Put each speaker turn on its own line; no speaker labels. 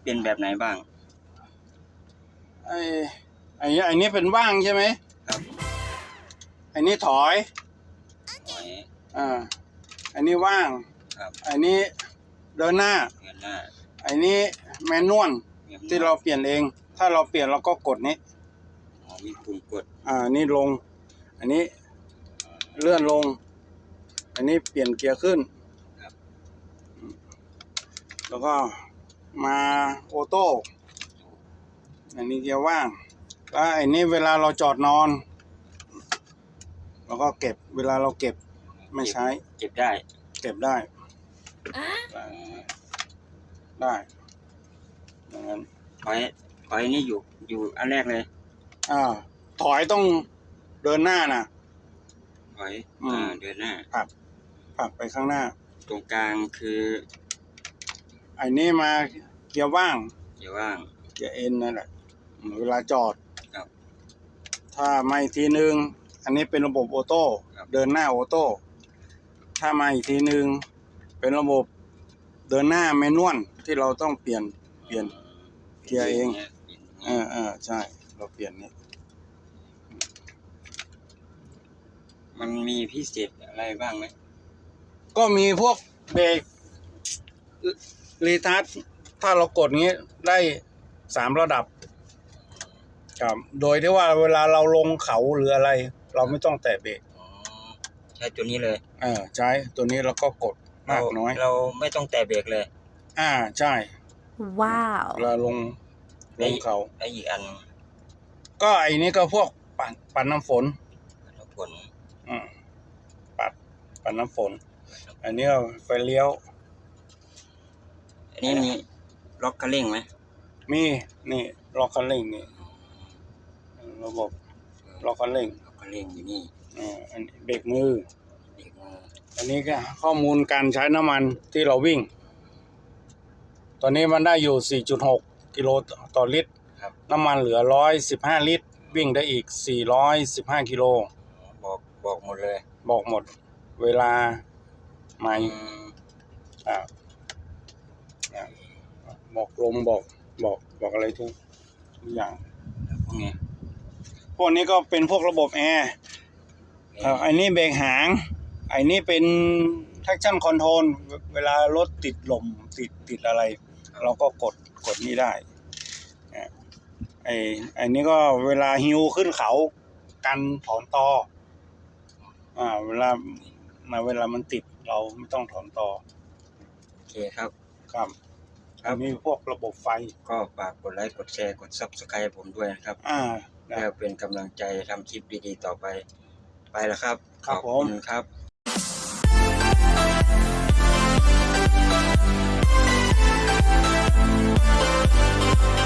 เป็นแบบไหนบ้าง
ไอ้นี้เป็นว่างใช่ไหม
ครับ
ไอ้นี้ถอยอันนี้ว่าง
ครับ
อันนี้เดินหน้าอันนี้แมนนวลที่เราเปลี่ยนเองถ้าเราเปลี่ยนเราก็กดนี้
มีปุ่มกด
นี่ลงอันนี้เลื่อนลงอันนี้เปลี่ยนเกียร์ขึ้นแล้วก็มาออโต้อันนี้เกียร์ว่างแล้วอันนี้เวลาเราจอดนอนเราก็เก็บเวลาเราเก็บไม่ใช้
เก็บได้
อย่างนั้น
ถอยนี่อยู่อันแรกเลย
ถอยต้องเดินหน้านะ
ถอยเดินหน้า
ผลักไปข้างหน้า
ตรงกลางคือ
ไอ้นี่มาเกียร์ว่าง
เกีย
ร์เอ็นนั่นแหละเวลาจอด
ครับ
ถ้ามาอีกทีนึงอันนี้เป็นระบบออโต้เดินหน้าออโต้ถ้ามาอีกทีนึงเป็นระบบเดินหน้าแมนนวลที่เราต้องเปลี่ยนเกียร์เองใช่เราเปลี่ยนนี่
มันมีพิเศษอะไรบ้างไหม
ก็มีพวกเบรกรีทัชถ้าเรากดงี้ได้3 ระดับครับโดยที่ว่าเวลาเราลงเขาหรืออะไรเราไม่ต้องแตะเบรก
ใช้ตัวนี้เลย
ใช้ตัวนี้แล้วก็กดมากน้อย
เราไม่ต้องแตะเบรกเลย
ใช่
ว้าว
เวลาลงเขา
ไอ้อีกอัน
ก็ไอ้นี้ก็พวกปัดน้ำฝนปัดน้ำฝนอันนี้ไฟเลี้ยว
อันนี้มีล็อกคันเร่งไหม
มีนี่ล็อกคันเร่งนี่ระบบล็อกคันเร่ง
อยู่นี่
อันเบรกมืออันนี้ก็ข้อมูลการใช้น้ำมันที่เราวิ่งตอนนี้มันได้อยู่ 4.6 กิโลต่อลิตรน้ำมันเหลือ115 ลิตรวิ่งได้อีก415 กิโล
บอกหมดเลย
บอกหมดเวลาใหม่บอกลมบอกอะไรทุกอย่างพวกนี้ก็เป็นพวกระบบแอร์อันนี้เบรกหางอันนี้เป็น traction control เวลารถติดลมติดอะไรเราก็กดนี้ได้ไอ้นี้ก็เวลาฮิวขึ้นเขากันถอนตอเวลามันติดเราไม่ต้องถอนตอ
โอเคครับ
มีพวกระบบไฟ
ก็ฝากกดไลค์กดแชร์กด Subscribe ผมด้วยนะครับแล้วเป็นกำลังใจทำคลิปดีๆต่อไปแล้วครับ
ขอบคุณ
ครับ